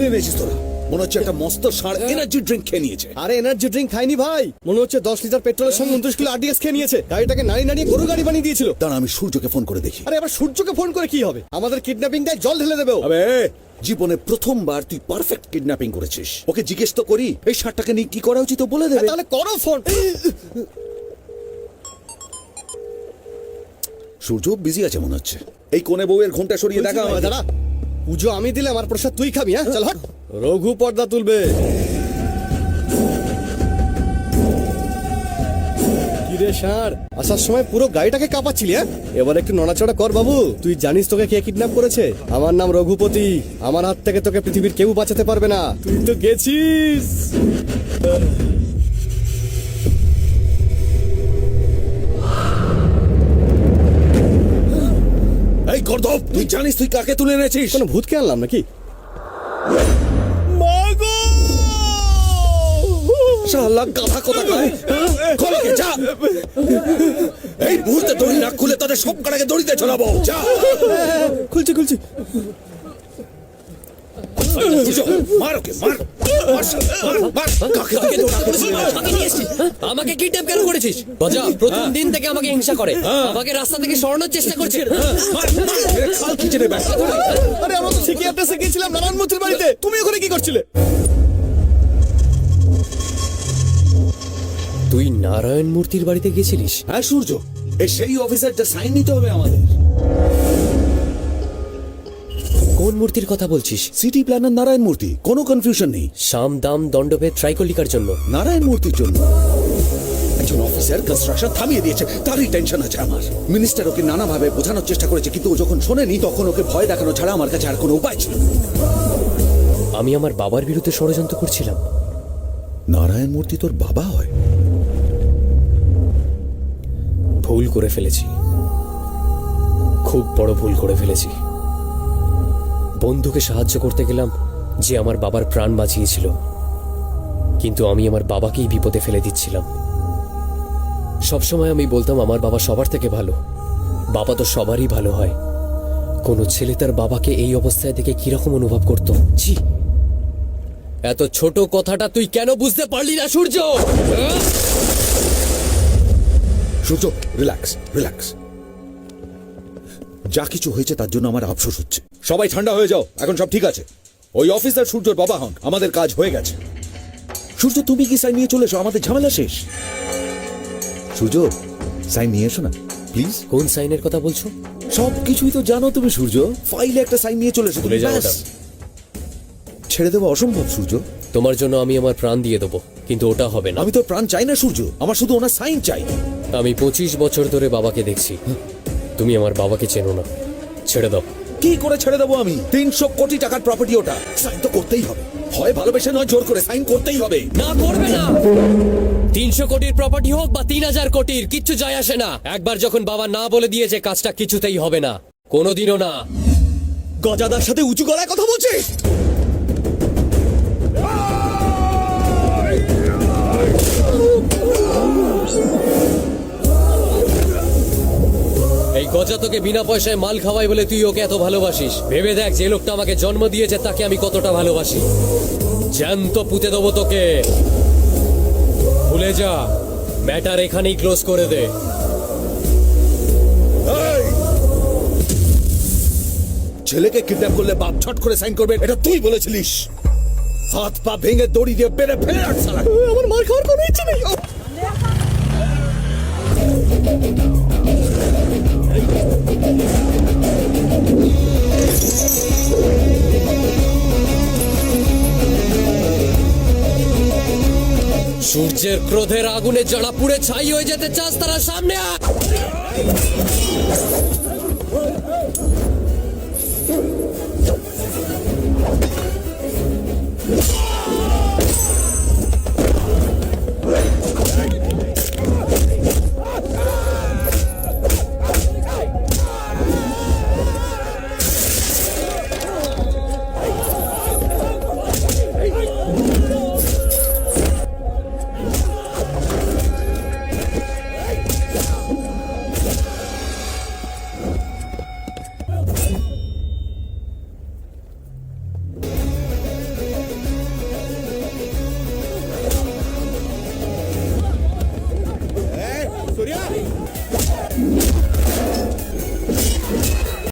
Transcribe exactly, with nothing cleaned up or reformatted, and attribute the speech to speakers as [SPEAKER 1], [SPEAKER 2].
[SPEAKER 1] এনেছিস তোরা? মনে হচ্ছে একটা মস্ত ষাঁড় এনার্জি ড্রিঙ্ক খেয়ে নিয়েছে।
[SPEAKER 2] আরে এনার্জি ড্রিঙ্ক খাইনি ভাই, মনে হচ্ছে দশ লিটার পেট্রোলের সঙ্গে উনত্রিশ কিলো আরডিএক্স খেয়ে নিয়েছে। গাড়িটাকে নাড়িয়ে নাড়িয়ে গরু গাড়ি বানিয়ে দিয়েছিল।
[SPEAKER 1] দাঁড়া আমি সূর্যকে ফোন করে দেখি।
[SPEAKER 2] আরে আবার সূর্যকে ফোন করে কি হবে? আমাদের কিডন্যাপিং টাই জল ঢেলে দেবে ও।
[SPEAKER 1] আবে জীবনে প্রথমবার তুই পারফেক্ট কিডন্যাপিং করেছিস। ওকে জিজ্ঞেস তো করি এই ষাঁড়টাকে নিয়ে কি করা উচিত, ও বলে দেবে।
[SPEAKER 2] তাহলে করো ফোন।
[SPEAKER 1] সূর্য বিজি আছে মনে হচ্ছে। এই কোণে বউয়ের ঘুমটা সরিয়ে দেখা আমায়।
[SPEAKER 2] দাঁড়া, পুজো আমি দিলে আমার প্রসাদ তুই খাবি? হ্যাঁ চল হট। রঘু পর্দা তুলবে। কিরে ষাঁড়, আসার সময় পুরো গাড়িটাকে কাঁপাচ্ছিলি? হ্যাঁ এবার একটু নড়াচড়া কর বাবু। তুই জানিস তোকে কে কিডন্যাপ করেছে? আমার নাম রঘুপতি। আমার হাত থেকে তোকে পৃথিবীর কেউ বাঁচাতে পারবে না। তুই তো গেছিস।
[SPEAKER 1] এই গর্দভ, তুই জানিস তুই কাকে তুলে এনেছিস?
[SPEAKER 2] কোনো ভূতকে আনলাম নাকি? মাগো!
[SPEAKER 1] শালা গাধা কোথাকার! খোলকে যা। এই মুহূর্তে দড়ি না খুলে তাদের সব কটাকে দড়িতে ঝোলাবো। যা।
[SPEAKER 2] খুলছি খুলছি।
[SPEAKER 1] মার ওকে, মার। মার, মার। কাকে কাকে দৌড়া করেছিস?
[SPEAKER 3] আমাকে নিয়ে এসেছিস? হ্যাঁ? আমাকে কিডন্যাপ কেন করেছিস? গজা প্রথম দিন থেকে আমাকে হিংসা করে, আমাকে রাস্তা থেকে সরানোর চেষ্টা করছে।
[SPEAKER 1] মার, মার, মেরে খাল খিচে নেবে।
[SPEAKER 2] আরে আমরা তো ঠিকই অ্যাড্রেসে গিয়েছিলাম নারায়ণমূর্তির বাড়িতে। তুমি ওখানে কি করছিলে?
[SPEAKER 3] তুই নারায়ণ মূর্তির বাড়িতে গেছিলিস?
[SPEAKER 1] হ্যাঁ সূর্য, এই সেই অফিসার যা সাইন নিতে হবে আমাদের।
[SPEAKER 3] কোন মূর্তির কথা বলছিস?
[SPEAKER 1] সিটি প্ল্যানার নারায়ণ মূর্তি, কোনো কনফিউশন নেই।
[SPEAKER 3] সাম দাম দণ্ডভেদ ট্রাইকলিকার জন্য
[SPEAKER 1] নারায়ণ মূর্তির জন্য একজন অফিসার কনস্ট্রাকশন থামিয়ে দিয়েছে, তারই টেনশন আছে আমার। মিনিস্টার ওকে নানাভাবে বোঝানোর চেষ্টা করেছে, কিন্তু ও যখন শোনেনি তখন ওকে ভয় দেখানো ছাড়া আমার কাছে আর কোনো উপায় ছিল না।
[SPEAKER 3] আমি আমার বাবার বিরুদ্ধে ষড়যন্ত্র করছিলাম।
[SPEAKER 1] নারায়ণ মূর্তি তোর বাবা হয়?
[SPEAKER 3] ভুল করে ফেলেছি, খুব বড় ভুল করে ফেলেছি। বন্ধুকে সাহায্য করতে গেলাম যে আমার বাবার প্রাণ বাঁচিয়েছিল, কিন্তু আমি আমার বাবাকেই বিপদে ফেলে দিচ্ছিলাম। সবসময় আমি বলতাম আমার বাবা সবার থেকে ভালো। বাবা তো সবারই ভালো হয়। কোনো ছেলে তার বাবাকে এই অবস্থায় দেখে কিরকম অনুভব করতো? জি, এত ছোট কথাটা তুই কেন বুঝতে পারলি না সূর্য?
[SPEAKER 1] সূর্য রিল্যাক্স, রিল্যাক্স। যা কিছু হয়েছে তার জন্য আমার আফসোস হচ্ছে। সবাই ঠান্ডা হয়ে যাও, এখন সব ঠিক আছে। ওই অফিসার সূর্যর বাবা হন, আমাদের কাজ হয়ে গেছে। সূর্য তুমি কি সাইন নিয়ে চলে এসো, আমাদের ঝামেলা শেষ। সূর্য সাইন নিয়ে এসো না প্লিজ।
[SPEAKER 3] কোন সাইনের কথা বলছো?
[SPEAKER 1] সব কিছুই তো জানো তুমি সূর্য। ফাইলে একটা সাইন নিয়ে চলে এসো।
[SPEAKER 3] ভুলে যাও ওটা।
[SPEAKER 1] ছেড়ে দেবো অসম্ভব সূর্য।
[SPEAKER 3] তোমার জন্য আমি আমার প্রাণ দিয়ে দেবো, কিন্তু ওটা হবে না।
[SPEAKER 1] আমি তো প্রাণ চাই না সূর্য, আমার শুধু ওনার সাইন চাই।
[SPEAKER 3] আমি পঁচিশ বছর ধরে বাবাকে দেখছি। তুমি আমার বাবাকে চেনো না, ছেড়ে দাও।
[SPEAKER 1] কি করে ছেড়ে দেবো আমি? তিনশো কোটি টাকার প্রপার্টি ওটা, সাইন তো করতেই হবে। হয় ভালোবেসে নয় জোর করে, সাইন করতেই হবে।
[SPEAKER 3] না, করবে না। তিনশো কোটির প্রপার্টি হোক বা তিন হাজার কোটির, কিচ্ছু যায় আসে না। একবার যখন বাবা না বলে দিয়েছে, কাজটা কিছুতেই হবে না, কোনোদিনও না।
[SPEAKER 2] গজাদার সাথে উঁচু গলায় কথা বলছিস?
[SPEAKER 3] এই গজা তোকে বিনা পয়সায় মাল খাওয়াই বলে তুই ওকে এত ভালোবাসিস। ভেবে দেখ, যে লোকটা আমাকে জন্ম দিয়েছে তাকে আমি কতটা ভালোবাসি। জ্যান্ত পুঁতে দেবো তোকে। ভুলে যা, ম্যাটার এখানেই ক্লোজ করে দে।
[SPEAKER 1] ছেলেকে কিডন্যাপ করলে বাপ ছট করে সাইন করবে, এটা তুই বলেছিলিস। হাত পা ভেঙে দড়ি দিয়ে বেড়ে ফেলে রাখ শালা।
[SPEAKER 2] আমার মার খাওয়ার কোনো ইচ্ছে নেই।
[SPEAKER 3] সূর্যের ক্রোধের আগুনে যারা পুড়ে ছাই হয়ে যেতে চাস, তারা সামনে আয়।